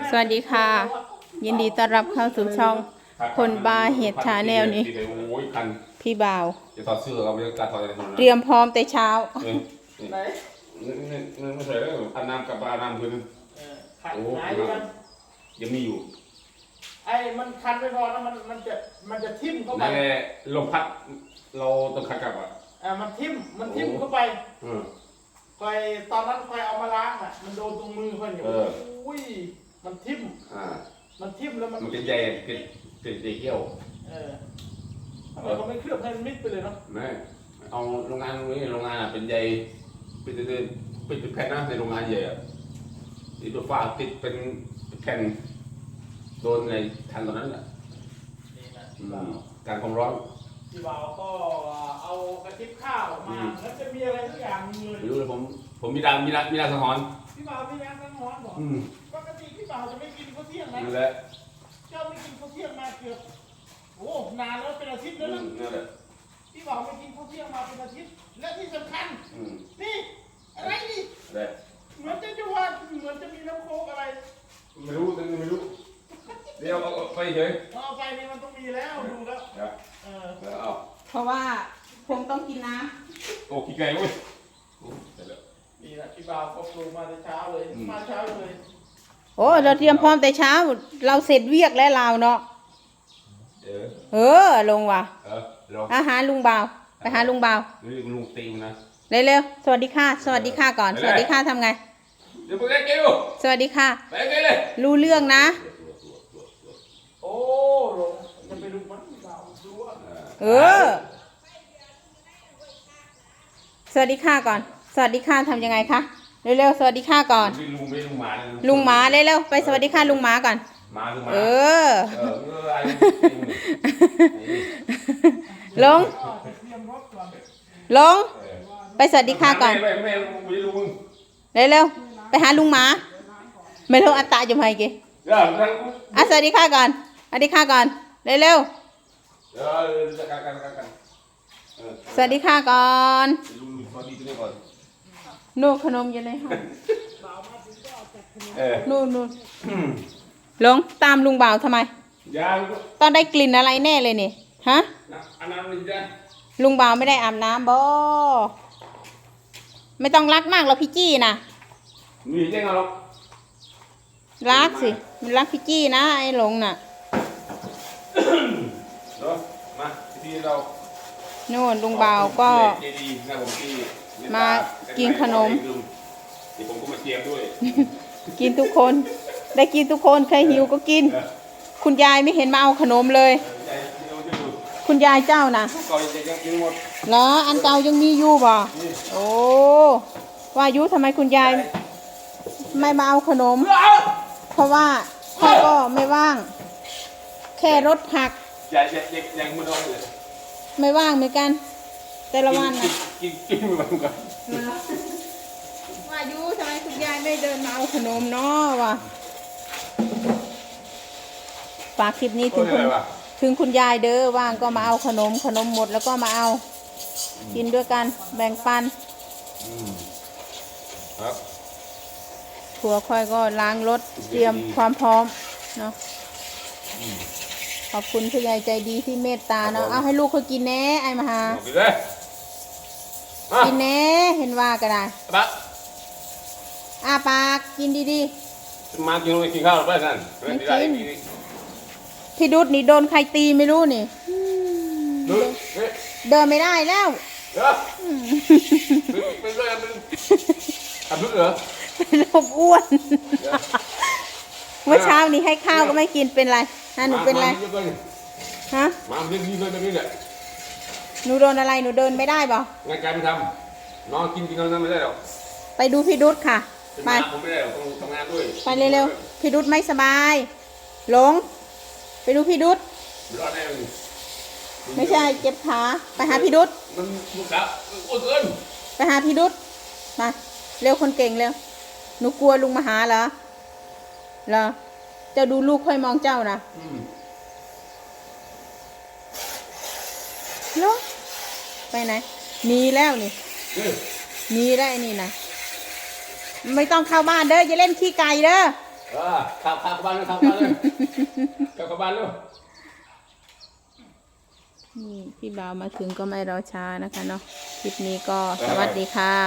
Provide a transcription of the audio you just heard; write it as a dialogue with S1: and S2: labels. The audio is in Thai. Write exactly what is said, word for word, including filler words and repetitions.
S1: สวัสดีค่ะยินดีต้อนรับเข้าสู่ช่องคนบาเห็ดชาแนลนี้พี่บ่าว
S2: จะถอดเสื้อเราไม่ต้องการถอดอะไร
S1: เตรียมพร้อมแต่เช้า
S2: ไหนนี่นี่ไม่ใช่แล้วอันน้ำกับปลาน้ำคือ
S3: ขัดหายกัน
S2: ยังมีอยู่
S3: ไอ้มันคันไม่พอแล้วมันมันจะมันจะทิ่มเข้าไป
S2: นั่นแหละลมพัดเราต้องขัดกับอ่ะ
S3: อ่ามันทิ่มมันทิ่มเข้าไปคอยตอนนั้นคอยเอามาล้างอ่ะมันโดนตรงมือเพื่อนอยู่อุ้ยมันทิ่ม
S2: อ่า
S3: มันทิ่มแล้วมัน
S2: มันเป็นใหญ่เป็นเป็นใหญ่เกี้ยว
S3: เออทำไมเขาไม่เคลือบให้มันมิดไปเลยเนาะ
S2: ไม่เอาโรงงานตรงนี้โรงงานอ่ะเป็นใหญ่เป็นเป็นเป็นแผ่นนะในโรงงานใหญ่อ่ะติดตัวฟ้าติดเป็นแผ่นโดนในทันตอนนั้นแหละการความร้อน
S3: พี่บ่าวก็เอากระติบข้าวมาแล้วจะมีอะไรทุกอย่างเลย
S2: ไม่รู้เลยผมผมมีดามีดามีดาสังหรณ์
S3: พี่บ่าวมีดาสังหรณ์บอกปกติพี่บ่าวจะไม่กินข้าวเที่ยงนะ
S2: นั่นแหละ
S3: เจ้าไม่กินข้าวเที่ยงมาเกือบโอ้นานแล้วเป็นอาทิตย์แล้วนะ
S2: นั่นแหละ
S3: พี่บ่าวไม่กินข้าวเที่ยงมาเป็นอาทิตย์และที่สำคัญนี่อะไรนี่เหมือนจะจะว่าเหมือนจะมีน้ำโค้กอะไร
S2: ไม่รู้แต่ไม่รู้เดี๋ยวเอาไปเฉย
S3: เอาไปนี่มันต้องมีแล้วดูแล้ว
S2: เออเอา
S1: เพราะว่าผมต้องกินน้
S2: ำโอ้ขี้ไก่เว้ย
S3: นี่แหละพี่บ่าวก็ปลูกมาแต่เช้าเลยมาเช้าเลย
S1: โอ้เราเตรียมพร้อมแต่เช้าเราเสร็จเวียกแล้วเราเนาะเออลงว่ะอาหารลุงบ่าวไปหาลุงบ่าว
S2: ลุงตีมนะ
S1: เร็วๆสวัสดีค่ะสวัสดีค่ะก่อนสวัสดีค่ะทำไง
S2: เดี๋ยวไปเก็บ
S1: สวัสดีค่ะ
S2: ไปเก็บเลย
S1: รู้เรื่องนะ
S3: โอ้ลงจะไปดูมันบ่าวดูว่า
S1: เออสวัสดีค่ะก่อนสวัสดีค่ะทำยังไงคะเร็วๆสวัสดีค่ะก่อน
S2: ลุงไม่ลุงหมา
S1: ลุงหมาเร็วๆไปสวัสดีค่ะลุงหมาก่อน
S2: หมาลุงหมา
S1: เออลงลงไปสวัสดีค่ะก่อนเร็วๆไปหาลุงหมาไม่รู้อัตตาจะมาอีกอ่ะสวัสดีค่ะก่อนสวัสดีค่ะก่อนเร็วๆสวัสดีค่ะก่อนนู่นขนมอยู่ในห้องนู่นนู่นลงตามลุงบ่าวทำไมต้องได้กลิ่นอะไรแน่เลยนี่ฮะลุงบ่าวไม่ได้อาบน้ำบ่ไม่ต้องรักมากหรอกพี่จี้นะ
S2: มีเจ๊งหรอ
S1: รักสิมันรักพี่จี้นะไอ้หลงน่ะ
S2: มาที่เรา
S1: โน่นลุงบ่าวก็มากินขนม
S2: ผมก็มาเตรียมด้วย
S1: กินทุกคนได้กินทุกคนใครหิวก็กินคุณยายไม่เห็นมาเอาขนมเลยคุณยายเจ้านะเหรออันเก่ายังมีอยู่บ่โอ้ว่ายุทำไมคุณยายไม่มาเอาขนมเพราะว่าพ่อก็ไม่ว่างแค่รถผักไม่ว่างเหมือนกันแต่ละวันนะ
S2: กินกินไม่ว่างกัน
S1: ว่ายุทำไมคุณยายไม่เดินมาเอาขนมเนาะวะฝากคลิปนี้ถึงคุณถึงคุณยายเด้อว่างก็มาเอาขนมขนมหมดแล้วก็มาเอากินด้วยกันแบ่งปัน
S2: ครับ
S1: ผัวค่อยก็ล้างรถเตรียมความพร้อมเนาะขอบคุณผู้ใหญ่ใจดีที่เมตตาเนาะเอาให้ลูกเขากินแน่ไอ้มหากินแน่เห็นว่าก็ได้อาปากกินดี
S2: ๆมากินกินข้าวไปนั่น
S1: ไม่กินพี่ดุดนี่โดนใครตีไม่รู้นี่เดินไม่ได้แล้ว
S2: เป็นอะไรเป็นอับดุดเหรอ
S1: เป็นโรคอ้วนเมื่อเช้านี้ให้ข้าวก็ไม่กินเป็นไรฮะหนูเป็นไรฮะ
S2: มาเรื่องนี้เลยแบบนี้แหละ
S1: หนูโดนอะไรหนูเดินไม่ได้ป่ะ
S2: งานการไม่ทำน้องกินกินน้องไม่ได้หรอก
S1: ไปดูพี่ดุดค่ะไป
S2: ผมไม่ได้ต้องทำงานด้วย
S1: ไปเร็วๆพี่ดุดไม่สบายหลงไปดูพี่ดุดไม่ใช่เจ็บขาไปหาพี่ดุด
S2: มันมุกดับอ้วนเกิน
S1: ไปหาพี่ดุดมาเร็วคนเก่งเร็วหนูกลัวลุงมาหาเหรอเหรอเจ้าดูลูกค่อยมองเจ้านะเนาะไปไหนหนีแล้วนี่หนีได้นี่นะไม่ต้องเข้าบ้านเด้ออย่าเล่นขี้ไก่เด้อ
S2: เออขับขับเข้าบ้านเลยขับเข้าบ้านเลยขับเข้าบ้านเลย
S1: นี่พี่บ่าวมาถึงก็ไม่รอช้านะคะเนาะคลิปนี้ก็สวัสดีค่ะ